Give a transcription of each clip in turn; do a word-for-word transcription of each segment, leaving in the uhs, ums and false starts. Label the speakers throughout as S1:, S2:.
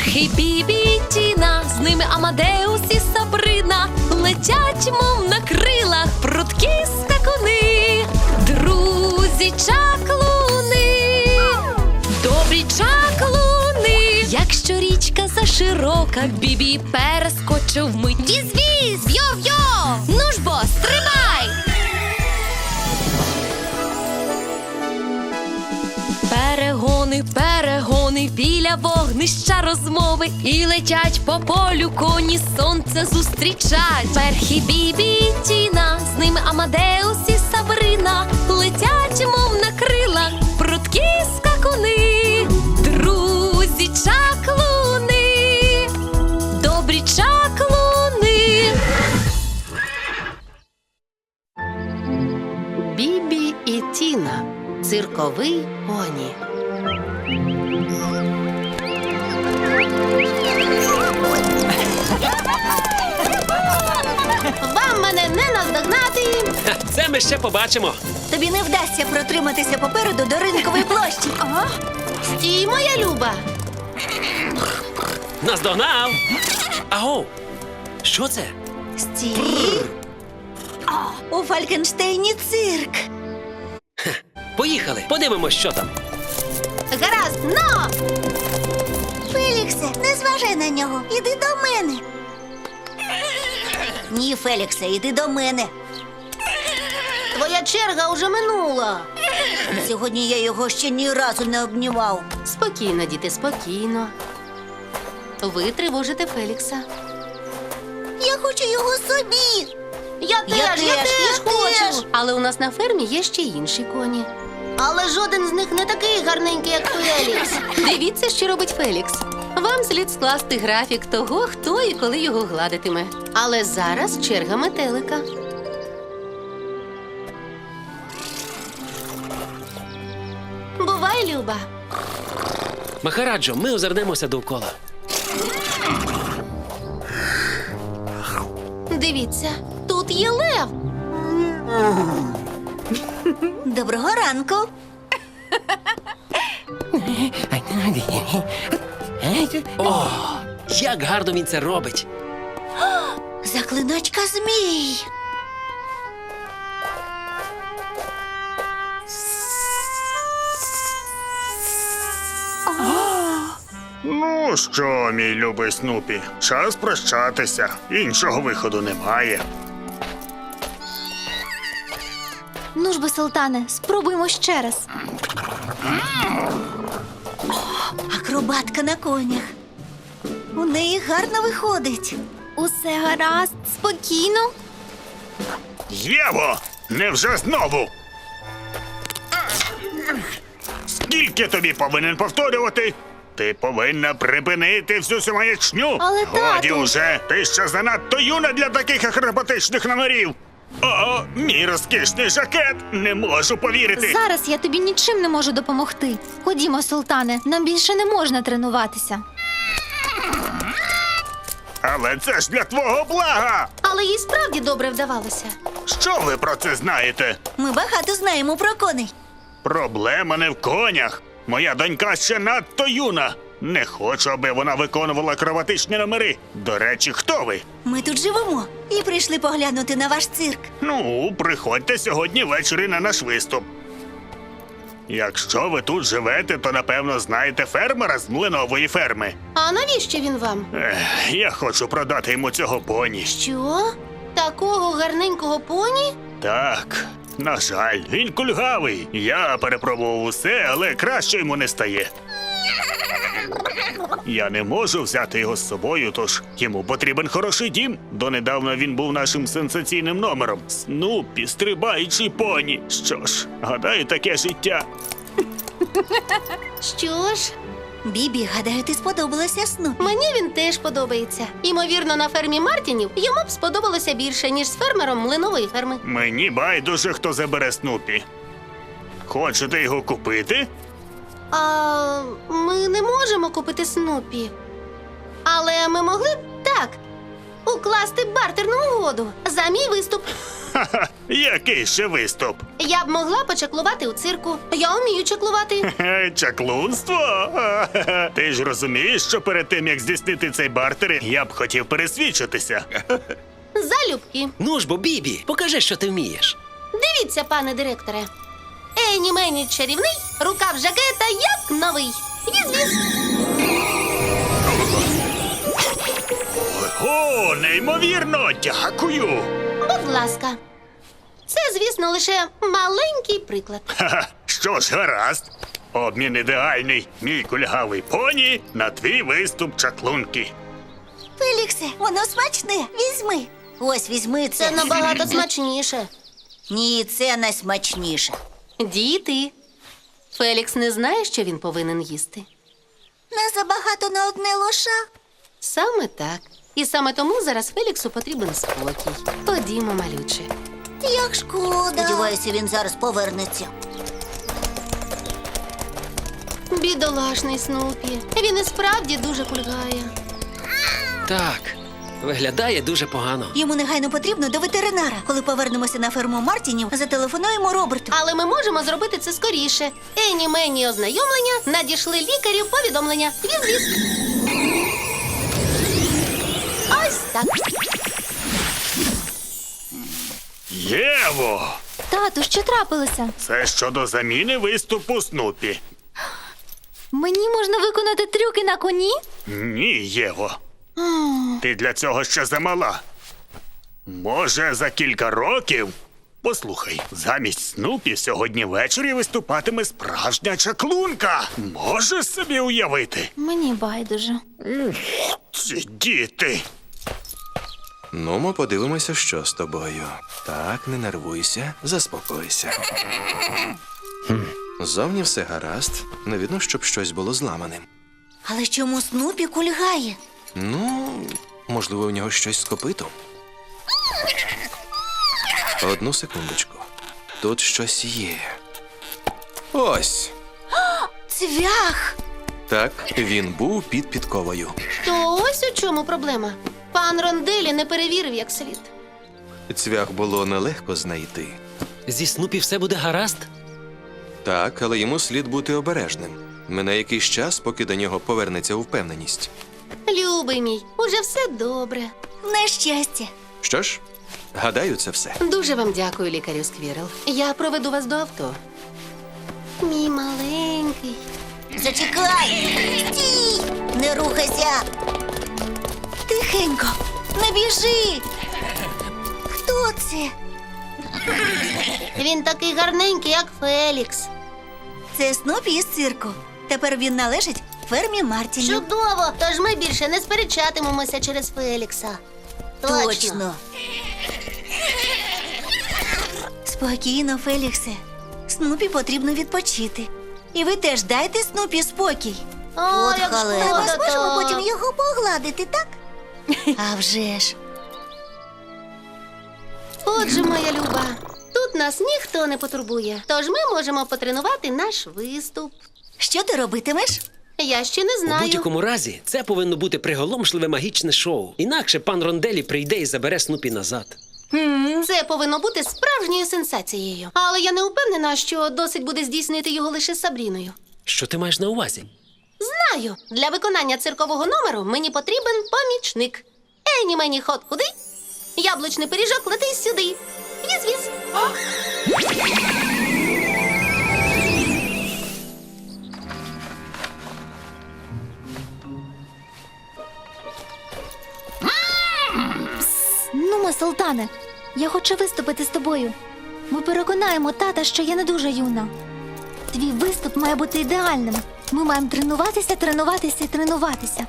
S1: Перхі, Бібі і Тіна, з ними Амадеус і Сабрина, летять, мов на крилах, прудкі скакуни. Друзі чаклуни, добрі чаклуни. Якщо річка заширока, Бібі перескочив вмить. Віз-віз, йо-йо, ну ж бо, стрибай! Перегони, перегони, біля вогнища розмови, і летять по полю коні, сонце зустрічать. Перхі, Бібі і Тіна, з ними Амадеус і Сабрина, летять, мов на крилах, прудкі скакуни. Друзі чаклуни, добрі чаклуни.
S2: Бібі і Тіна. Цирковий поні. Вам мене не наздогнати.
S3: Це ми ще побачимо.
S4: Тобі не вдасться протриматися попереду до ринкової площі. Ага.
S2: Стій, моя люба.
S3: Наздогнав. Аго, що це?
S4: Стій. У Фалькенштейні цирк.
S3: Поїхали, подивимось, що там.
S2: Гаразд, но!
S4: Феліксе, не зважай на нього. Іди до мене. Ні, Феліксе, іди до мене.
S2: Твоя черга уже минула.
S4: Сьогодні я його ще ні разу не обнімав.
S2: Спокійно, діти, спокійно. Ви тривожите Фелікса.
S4: Я хочу його собі.
S2: Я теж,
S4: Я
S2: я
S4: теж,
S2: теж,
S4: я
S2: хочу.
S4: теж.
S2: Але у нас на фермі є ще інші коні. Але жоден з них не такий гарненький, як Фелікс. Дивіться, що робить Фелікс. Вам слід скласти графік того, хто і коли його гладитиме. Але зараз черга метелика. Бувай, Люба.
S3: Махараджо, ми озирнемося довкола.
S2: Дивіться, тут є лев.
S4: Доброго ранку.
S3: О, як гарно він це робить.
S4: Заклиначка змій.
S5: Ну що, мій любий Снупі, час прощатися. Іншого виходу немає.
S6: Ну ж бо, Султане, спробуємо ще раз.
S4: Акробатка на конях. У неї гарно виходить.
S6: Усе гаразд, спокійно.
S5: Єво! Невже знову? Скільки тобі повинен повторювати? Ти повинна припинити всю цю маячню.
S6: Але,
S5: Годі
S6: тату!
S5: уже, ти ще занадто юна для таких акробатичних номерів. О, мій розкішний жакет! Не можу повірити.
S6: Зараз я тобі нічим не можу допомогти. Ходімо, Султане, нам більше не можна тренуватися.
S5: Але це ж для твого блага.
S2: Але їй справді добре вдавалося.
S5: Що ви про це знаєте?
S4: Ми багато знаємо про коней.
S5: Проблема не в конях. Моя донька ще надто юна. Не хочу, аби вона виконувала акробатичні номери. До речі, хто ви?
S4: Ми тут живемо і прийшли поглянути на ваш цирк.
S5: Ну, приходьте сьогодні ввечері на наш виступ. Якщо ви тут живете, то напевно знаєте фермера з млинової ферми.
S2: А навіщо він вам?
S5: Ех, я хочу продати йому цього поні.
S2: Що? Такого гарненького поні?
S5: Так, на жаль, він кульгавий. Я перепробував усе, але краще йому не стає. Я не можу взяти його з собою, тож йому потрібен хороший дім. Донедавна він був нашим сенсаційним номером. Снупі, стрибаючий поні. Що ж, гадаю, таке життя.
S2: Що ж,
S4: Бібі, гадаю, ти сподобалася Снупі.
S2: мені він теж подобається. Ймовірно, на фермі Мартінів йому б сподобалося більше, ніж з фермером млинової ферми.
S5: Мені байдуже, хто забере Снупі. Хочете його купити?
S2: А ми не можемо купити Снупі. Але ми могли б так укласти бартерну угоду за мій виступ.
S5: Ха-ха, який ще виступ?
S2: Я б могла почаклувати у цирку. Я вмію чаклувати.
S5: Е, Чаклунство? Ха-ха. Ти ж розумієш, що перед тим, як здійснити цей бартер, я б хотів пересвідчитися.
S2: Залюбки.
S3: Ну ж бо, Бібі, покажи, що ти вмієш.
S2: Дивіться, пане директоре. Ені мені чарівний, рукав жакета як новий. Віз-віз.
S5: О, неймовірно, дякую.
S2: Будь ласка. Це, звісно, лише маленький приклад.
S5: Ха-ха, що ж, гаразд. Обмін ідеальний. Мій кульгавий поні на твій виступ чаклунки.
S4: Феліксе, воно смачне. Візьми. Ось візьми це.
S2: Це набагато смачніше.
S4: Ні, це найсмачніше.
S2: Діти. Фелікс не знає, що він повинен їсти.
S4: Не забагато на одне лоша.
S2: Саме так. І саме тому зараз Феліксу потрібен спокій. Ходімо, малюче.
S4: Як шкода. Сподіваюся, він зараз повернеться.
S2: Бідолашний Снупі. Він і справді дуже кульгає.
S3: Так, виглядає дуже погано.
S4: Йому негайно потрібно до ветеринара. Коли повернемося на ферму Мартінів, зателефонуємо Роберту.
S2: Але ми можемо зробити це скоріше. Ені мені ознайомлення, надійшли лікарів повідомлення. Віз-віз. Ось так.
S5: Єво!
S6: Тату, що трапилося?
S5: Це щодо заміни виступу Снупі.
S6: Мені можна виконати трюки на коні?
S5: Ні, Єво. Ти для цього ще замала. Може, за кілька років. Послухай, замість Снупі сьогодні ввечері виступатиме справжня чаклунка. Можеш собі уявити?
S6: Мені байдуже.
S5: Ці діти.
S7: Ну, ми подивимося, що з тобою. Так, не нервуйся, заспокойся. Хм, Зовні все гаразд. Не видно, щоб щось було зламаним.
S4: Але чому Снупі кульгає?
S7: Ну, можливо, у нього щось з копитом. Одну секундочку. Тут щось є. Ось.
S4: Цвях!
S7: Так, він був під підковою.
S2: То ось у чому проблема. Пан Ронделі не перевірив як слід.
S7: Цвях було нелегко знайти.
S3: Зі Снупі все буде гаразд?
S7: Так, але йому слід бути обережним. Мине якийсь час, поки до нього повернеться впевненість.
S2: Любий мій, уже все добре.
S4: На щастя.
S7: Що ж, гадаю, це все.
S2: Дуже вам дякую, лікарю Сквірел. Я проведу вас до авто. Мій маленький.
S4: Зачекай! Стій! Не рухайся! Тихенько! Не біжи! Хто це?
S2: Він такий гарненький, як Фелікс.
S4: Це Снупі із цирку. Тепер він належить фермі Мартінів.
S2: Чудово! Тож ми більше не сперечатимемося через Фелікса.
S4: Точно. Спокійно, Феліксе. Снупі потрібно відпочити. І ви теж дайте Снупі спокій.
S2: О,
S4: От
S2: як
S4: халепа.
S2: шкода,
S4: Ми зможемо
S2: так.
S4: потім його погладити, так? А вже ж.
S2: Отже, моя люба, тут нас ніхто не потурбує. Тож ми можемо потренувати наш виступ.
S4: Що ти робитимеш?
S2: Я ще не
S3: У
S2: знаю.
S3: будь-якому разі, це повинно бути приголомшливе магічне шоу. Інакше пан Ронделі прийде і забере Снупі назад.
S2: Це повинно бути справжньою сенсацією. Але я не впевнена, що досить буде здійснити його лише з Сабріною.
S3: Що ти маєш на увазі?
S2: Знаю, для виконання циркового номеру мені потрібен помічник. Ені мені ход куди? Яблучний пиріжок лети сюди. Віз-віз.
S6: Нумо, Султане, я хочу виступити з тобою. Ми переконаємо тата, що я не дуже юна. Твій виступ має бути ідеальним. Ми маємо тренуватися, тренуватися і тренуватися.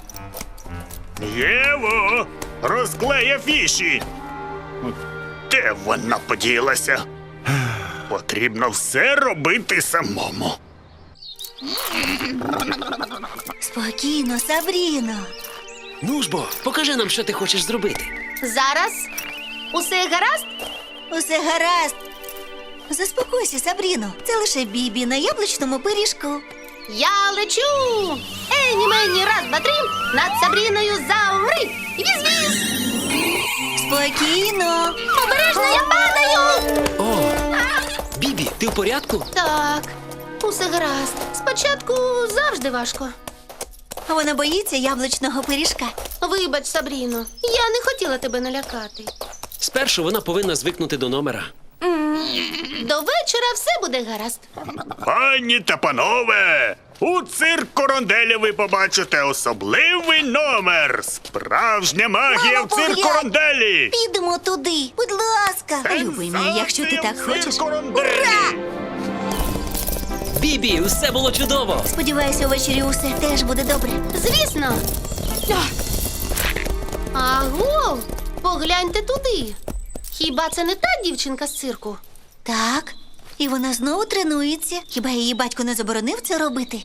S5: Єво! Розклей афіші! Де вона поділася? Потрібно все робити самому.
S4: Спокійно, Сабріно.
S3: Ну ж бо, покажи нам, що ти хочеш зробити.
S2: Зараз. Усе гаразд?
S4: Усе гаразд. Заспокойся, Сабріно. Це лише Бібі на яблучному пиріжку.
S2: Я лечу! Ені мені раз, два, три, над Сабріною замри! Віз-віз!
S4: Спокійно.
S6: Обережно, я падаю!
S3: О, Бібі, ти в порядку?
S2: Так, усе гаразд. Спочатку завжди важко.
S4: Вона боїться яблучного пиріжка.
S2: Вибач, Сабріно, я не хотіла тебе налякати.
S3: Спершу вона повинна звикнути до номера.
S2: До вечора все буде гаразд.
S5: Пані та панове, у цирку Ронделі ви побачите особливий номер. Справжня магія
S4: Мамо,
S5: в цирку
S4: поглянь.
S5: Ронделі.
S4: Підемо туди, будь ласка. Любий мій, якщо ти так
S5: Сенсація в
S4: хочеш.
S5: цирку Ронделі.
S3: Бібі, усе було чудово!
S4: Сподіваюся, увечері усе теж буде добре.
S2: Звісно. Аго, погляньте туди. Хіба це не та дівчинка з цирку?
S4: Так, і вона знову тренується. Хіба її батько не заборонив це робити?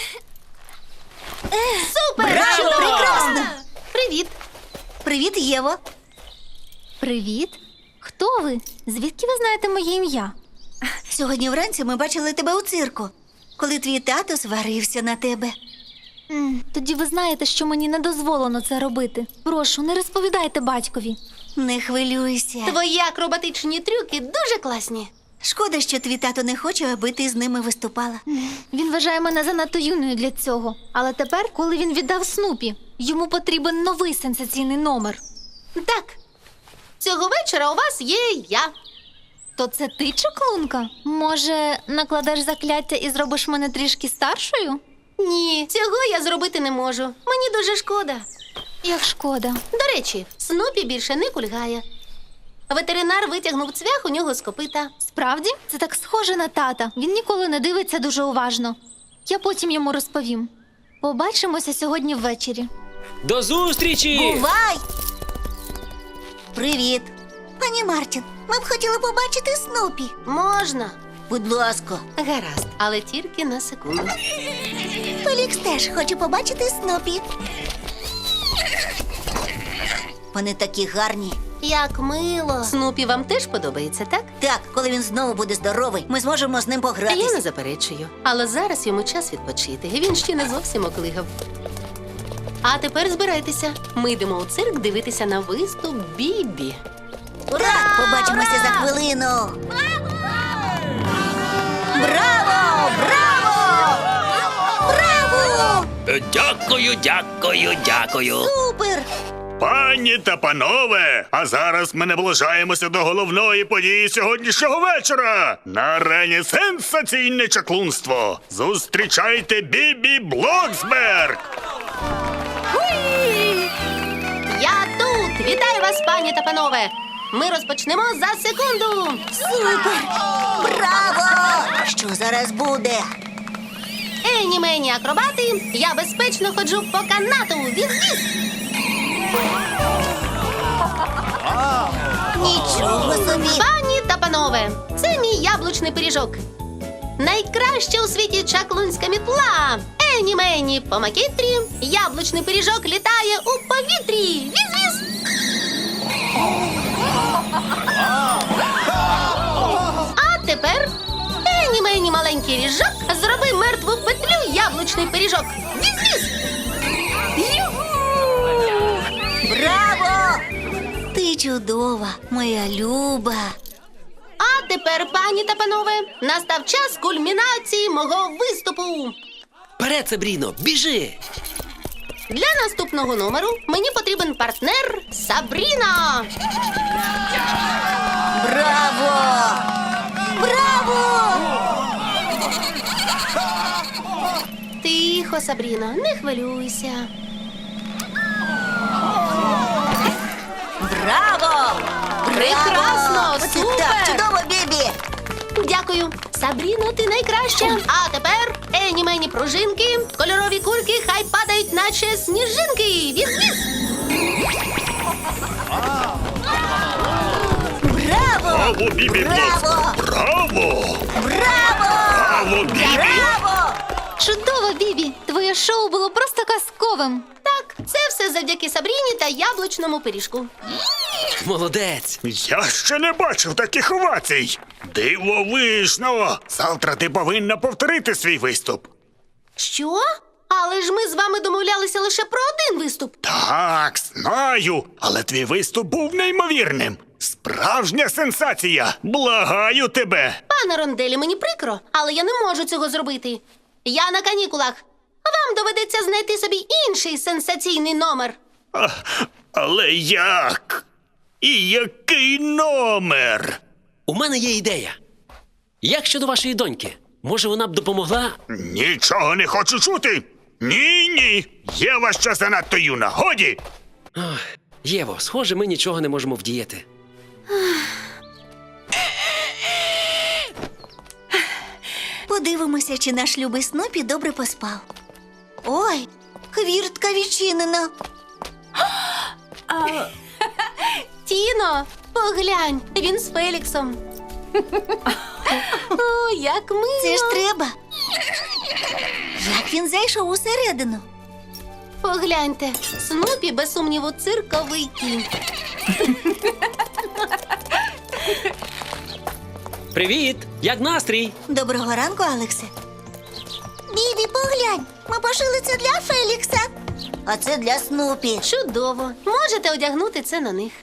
S2: Супер!
S4: Браво!
S2: Чудово!
S4: Прекрасно!
S2: Привіт!
S4: Привіт, Єво.
S6: Привіт. Хто ви? Звідки ви знаєте моє ім'я?
S4: Сьогодні вранці ми бачили тебе у цирку, коли твій тато сварився на тебе.
S6: М, Тоді ви знаєте, що мені не дозволено це робити. Прошу, не розповідайте батькові.
S4: Не хвилюйся.
S2: Твої акробатичні трюки дуже класні.
S4: Шкода, що твій тато не хоче, аби ти з ними виступала.
S6: Він вважає мене занадто юною для цього. Але тепер, коли він віддав Снупі, йому потрібен новий сенсаційний номер.
S2: Так, цього вечора у вас є я.
S6: То це ти, чаклунка? Може, накладеш закляття і зробиш мене трішки старшою?
S2: Ні, цього я зробити не можу. Мені дуже шкода.
S6: Як шкода.
S2: До речі, Снупі більше не кульгає. Ветеринар витягнув цвях у нього з копита.
S6: Справді, це так схоже на тата. Він ніколи не дивиться дуже уважно. Я потім йому розповім. Побачимося сьогодні ввечері.
S3: До зустрічі!
S4: Бувай! Привіт. Пані Мартін, ми б хотіли побачити Снупі.
S2: Можна.
S4: Будь ласка.
S2: Гаразд, але тільки на секунду.
S4: Фелікс теж хоче побачити Снупі. Вони такі гарні.
S2: Як мило. Снупі вам теж подобається, так?
S4: Так, коли він знову буде здоровий, ми зможемо з ним
S2: Я не
S4: погратися.
S2: заперечую. Але зараз йому час відпочити. Він ще не зовсім оклигав. А тепер збирайтеся. Ми йдемо у цирк дивитися на виступ Бібі.
S4: Ура! Побачимося за хвилину. Браво! Браво! Браво!
S3: Е, Дякую, дякую, дякую.
S4: Супер!
S5: Пані та панове, а зараз ми наближаємося до головної події сьогоднішнього вечора. На арені сенсаційне чаклунство. Зустрічайте Бібі Блоксберг.
S2: Я тут! Вітаю вас, пані та панове! Ми розпочнемо за секунду!
S4: Супер! Браво! Що зараз буде?
S2: Ені мені акробати! Я безпечно ходжу по канату! Віз-віз!
S4: Нічого собі!
S2: Пані та панове, це мій яблучний пиріжок. Найкраща у світі чаклунська мітла. Ені мені по макітрі. Яблучний пиріжок літає у повітрі. Віз-віз! А тепер ені мені маленький ріжок. Зроби мертву петлю яблучний пиріжок. Віз-віз!
S4: Браво! Ти чудова, моя люба.
S2: А тепер, пані та панове, настав час кульмінації мого виступу.
S3: Вперед, Сабріно, біжи!
S2: Для наступного номеру мені потрібен партнер Сабріна.
S4: Браво! Браво!
S2: Тихо, Сабріна, не хвилюйся.
S4: Браво!
S2: Прекрасно,
S4: Оце
S2: супер!
S4: так, чудово, Бібі!
S2: Дякую. Сабріно, ти найкраща. А тепер ені мені пружинки, кольорові кульки хай падають, наче сніжинки. Віз-віз!
S4: Браво!
S5: Браво, Бібі
S4: Браво!
S5: Блоксберг! Браво!
S4: Браво!
S5: Браво, Бібі!
S4: Браво!
S6: Чудово, Бібі! Твоє шоу було просто казковим.
S2: Так, це все завдяки Сабріні та яблучному пиріжку.
S3: Молодець!
S5: Я ще не бачив таких овацій. Дивовижно! Завтра ти повинна повторити свій виступ.
S2: Що? Але ж ми з вами домовлялися лише про один виступ.
S5: Так, знаю, але твій виступ був неймовірним. Справжня сенсація! Благаю тебе!
S2: Пане Ронделі, мені прикро, але я не можу цього зробити. Я на канікулах. Вам доведеться знайти собі інший сенсаційний номер.
S5: А, але як? І який номер?
S3: У мене є ідея. Як щодо вашої доньки? Може, вона б допомогла?
S5: Нічого не хочу чути. Ні, ні. Єва ще занадто юна. Годі.
S3: Ох, Єво, схоже, ми нічого не можемо вдіяти.
S4: Подивимося, чи наш любий Снупі добре поспав. Ой, хвіртка відчинена.
S2: Тіно, поглянь, він з Феліксом. О, як мило.
S4: Це ж треба. Як він зайшов усередину?
S2: Погляньте, Снупі, без сумніву, цирковий кінь.
S3: Привіт! Як настрій?
S4: Доброго ранку, Алексе. Бібі, поглянь, ми пошили це для Фелікса. А це для Снупі.
S2: Чудово. Можете одягнути це на них.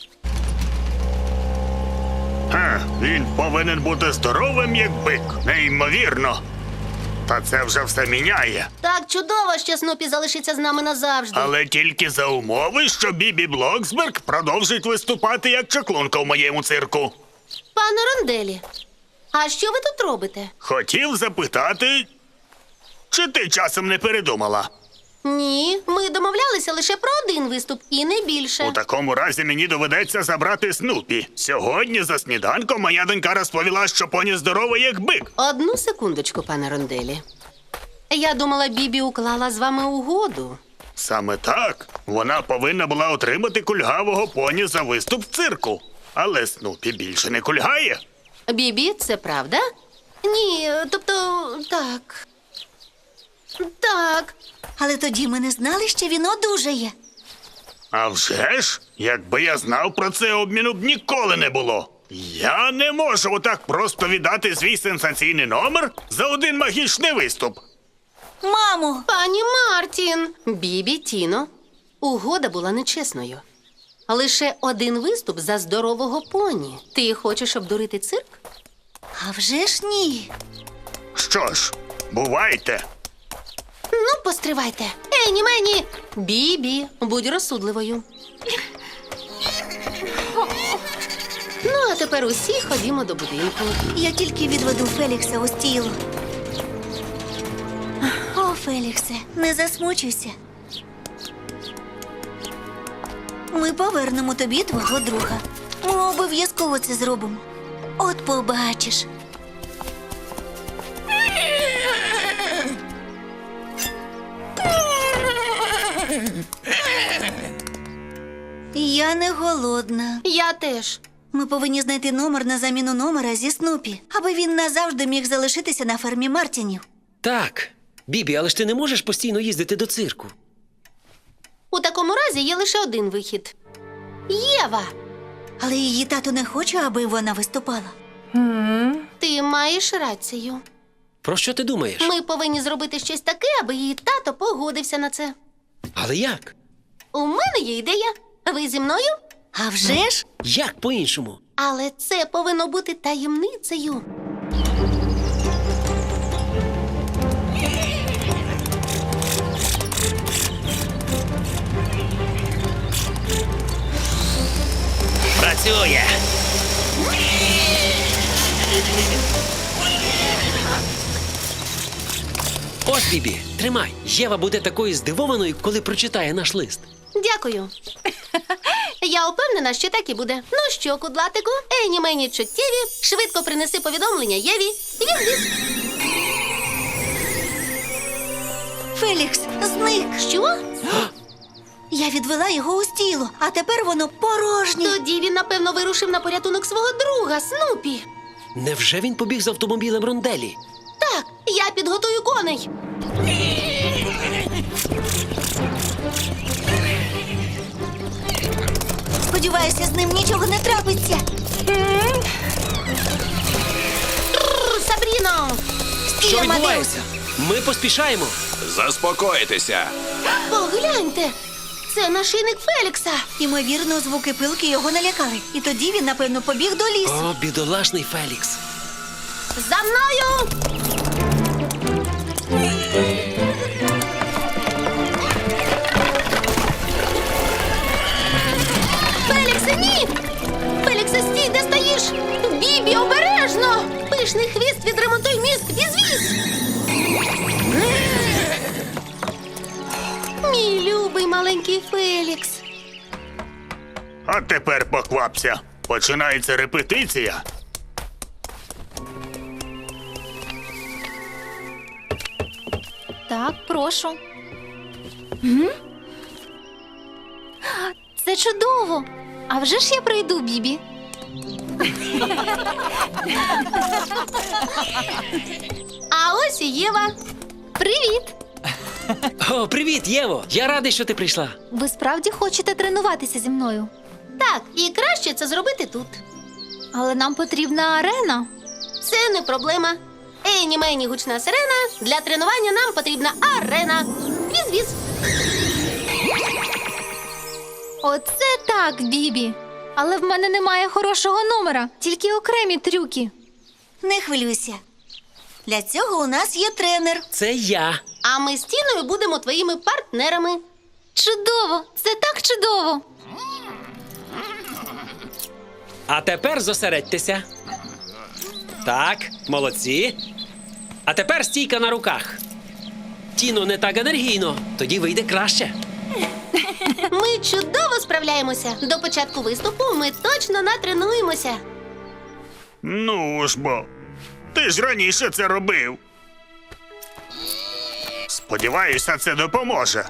S5: Ха, він повинен бути здоровим, як бик. Неймовірно. Та це вже все міняє.
S2: Так чудово, що Снупі залишиться з нами назавжди.
S5: Але тільки за умови, що Бібі Блоксберг продовжить виступати як чаклунка в моєму цирку.
S2: Пане Ронделі, а що ви тут робите?
S5: Хотів запитати, чи ти часом не передумала?
S2: Ні, ми домовлялися лише про один виступ і не більше.
S5: У такому разі мені доведеться забрати Снупі. Сьогодні за сніданком моя донька розповіла, що поні здорова, як бик.
S2: Одну секундочку, пане Ронделі. Я думала, Бібі уклала з вами угоду.
S5: Саме так. Вона повинна була отримати кульгавого поні за виступ в цирку. Але Снупі більше не кульгає.
S2: Бібі, це правда? Ні, тобто, так. Так.
S4: Але тоді ми не знали, що він одужає.
S5: А вже ж, якби я знав про це, обміну б ніколи не було. Я не можу отак просто віддати свій сенсаційний номер за один магічний виступ.
S4: Мамо!
S2: Пані Мартін! Бібі, Тіно, угода була нечесною. Лише один виступ за здорового поні. Ти хочеш обдурити цирк?
S4: А вже ж ні.
S5: Що ж, бувайте.
S2: Ну, постривайте. Ені мені! Бібі, будь розсудливою. Ну, а тепер усі ходімо до будинку.
S4: Я тільки відведу Фелікса у стіло. О, Феліксе, не засмучуйся. Ми повернемо тобі твого друга. Ми обов'язково це зробимо. От побачиш. Я не голодна.
S2: Я теж.
S4: Ми повинні знайти номер на заміну номера зі Снупі, аби він назавжди міг залишитися на фермі Мартінів.
S3: Так. Бібі, але ж ти не можеш постійно їздити до цирку.
S2: У такому разі є лише один вихід. Єва,
S4: Але її тато не хоче, аби вона виступала.
S2: ти маєш рацію.
S3: Про що ти думаєш?
S2: Ми повинні зробити щось таке, аби її тато погодився на це.
S3: Але як?
S2: У мене є ідея. Ви зі мною?
S4: А вже ж?
S3: Як по-іншому?
S2: Але це повинно бути таємницею.
S3: Працює! Ось, Бібі, тримай. Єва буде такою здивованою, коли прочитає наш лист.
S2: Дякую. Я упевнена, що так і буде. Ну що, кудлатику, ені мені чуттєві, швидко принеси повідомлення Єві. Відвіз.
S4: Фелікс зник.
S2: Що?
S4: Я відвела його у стіло, а тепер воно порожнє.
S2: Тоді він, напевно, вирушив на порятунок свого друга, Снупі.
S3: Невже він побіг з автомобілем Ронделі?
S2: Так, я підготую коней.
S4: Сподіваюся, з ним нічого не трапиться.
S2: Тррр, Сабріно!
S3: Що
S4: Стій, Амадеус.
S3: відбувається? Ми поспішаємо.
S7: Заспокойтеся.
S2: Погляньте! Це нашийник Фелікса.
S4: Ймовірно, звуки пилки його налякали. І тоді він, напевно, побіг до лісу.
S3: О, бідолашний Фелікс.
S2: За мною! Феліксе, ні! Феліксе, стій, де стоїш? Бібі, обережно! Пишний хвіст, відремонтуй міст, візвіз! Мій любий маленький Фелікс.
S5: А тепер поквапся. Починається репетиція.
S6: Так, прошу. М? Це чудово! А вже ж я прийду, Бібі.
S2: А ось і Єва.
S6: Привіт!
S3: О, привіт, Єво! Я радий, що ти прийшла.
S6: Ви справді хочете тренуватися зі мною?
S2: Так, і краще це зробити тут.
S6: Але нам потрібна арена.
S2: Це не проблема. Ейні мені гучна сирена. Для тренування нам потрібна арена. Віз-віз.
S6: Оце так, Бібі. Але в мене немає хорошого номера, тільки окремі трюки.
S4: Не хвилюйся. Для цього у нас є тренер.
S3: Це я.
S2: А ми з Тіною будемо твоїми партнерами.
S6: Чудово! Це так чудово!
S3: А тепер зосередьтеся. Так, молодці. А тепер стійка на руках. Тіно, не так енергійно, тоді вийде краще.
S2: Ми чудово справляємося. До початку виступу ми точно натренуємося.
S5: Ну ж бо. Ти ж раніше це робив. Сподіваюся, це допоможе.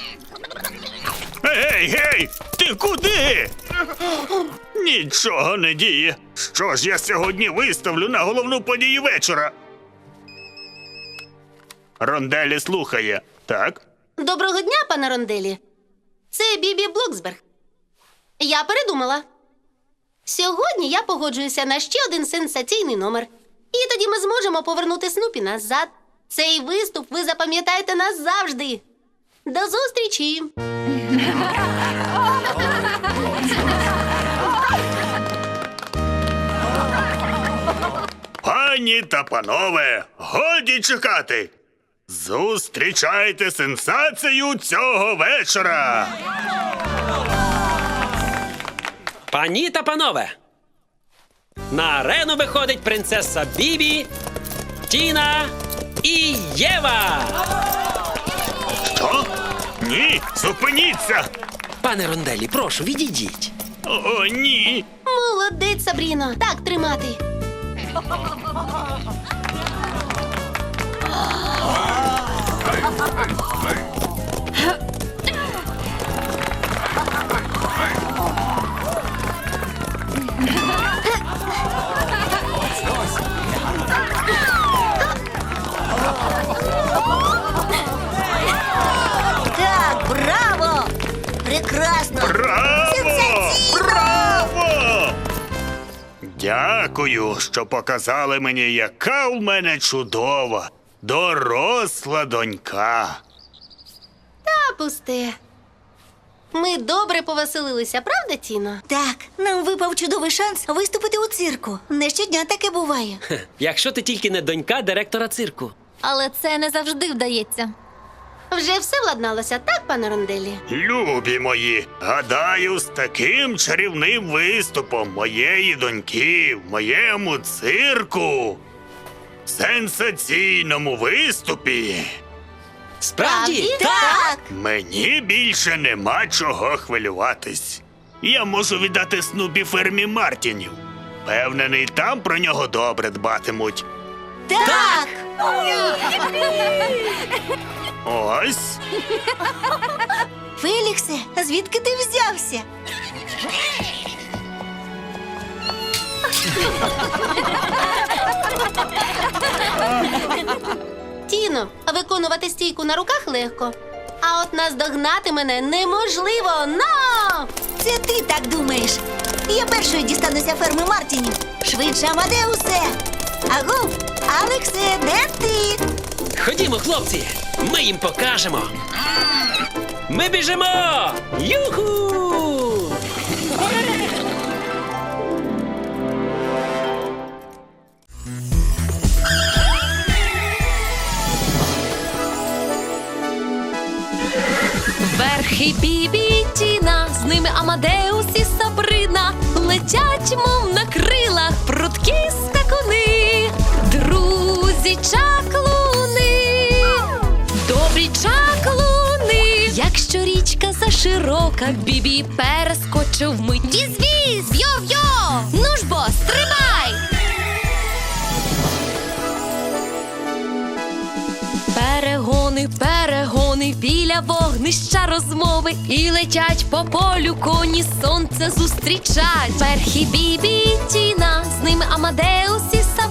S5: Гей, гей! Ти куди? Нічого не діє. Що ж я сьогодні виставлю на головну подію вечора? Ронделі слухає, так?
S2: Доброго дня, пане Ронделі. Це Бібі Блоксберг. Я передумала. Сьогодні я погоджуюся на ще один сенсаційний номер. І тоді ми зможемо повернути Снупі назад. Цей виступ ви запам'ятаєте назавжди. До зустрічі!
S5: Пані та панове, годі чекати! Зустрічайте сенсацію цього вечора!
S3: Пані та панове, на арену виходить принцеса Бібі, Тіна і Єва.
S5: Що? Ні, зупиніться!
S3: Пане Ронделі, прошу, відійдіть.
S5: О, ні!
S2: Молодець, Сабріно. Так тримати.
S4: Так, браво! Прекрасно!
S5: Браво!
S4: Сенсаційно!
S5: Браво! Дякую, що показали мені, яка у мене чудова, доросла донька.
S2: Та пусте. Ми добре повеселилися, правда, Тіно?
S4: Так, нам випав чудовий шанс виступити у цирку. Не щодня таке буває.
S3: Хе, Якщо ти тільки не донька директора цирку.
S6: Але це не завжди вдається.
S2: Вже все владналося, так, пане Ронделі?
S5: Любі мої, гадаю, з таким чарівним виступом моєї доньки в моєму цирку, сенсаційному виступі,
S3: Справді?
S4: Так!
S5: мені більше нема чого хвилюватись. Я можу віддати Снупі фермі Мартінів. Впевнений, там про нього добре дбатимуть.
S4: Так!
S5: Ось.
S4: Феліксе, а звідки ти взявся?
S2: Тіно, виконувати стійку на руках легко. А от наздогнати мене неможливо. Но!
S4: Це ти так думаєш. Я першою дістануся ферми Мартінів. Швидше, Амадеусе! Агов, Алексе, де ти?
S3: Ходімо, хлопці, ми їм покажемо. Ми біжимо! Юху!
S1: Верхи Бібі і Тіна, з ними Амадеус і Сабрина. Летять, мов на крилах, прудкі скакуни. Друзі чаклуни, добрі чаклуни. Якщо річка заширока, Бібі перескочив вмить. Віз-віз, йо-йо, ну ж бо, стримай! Перегони, перегони, біля вогнища розмови. І летять по полю коні, сонце зустрічать. Верхи Бібі і Тіна, з ними Амадеус і Сабрина.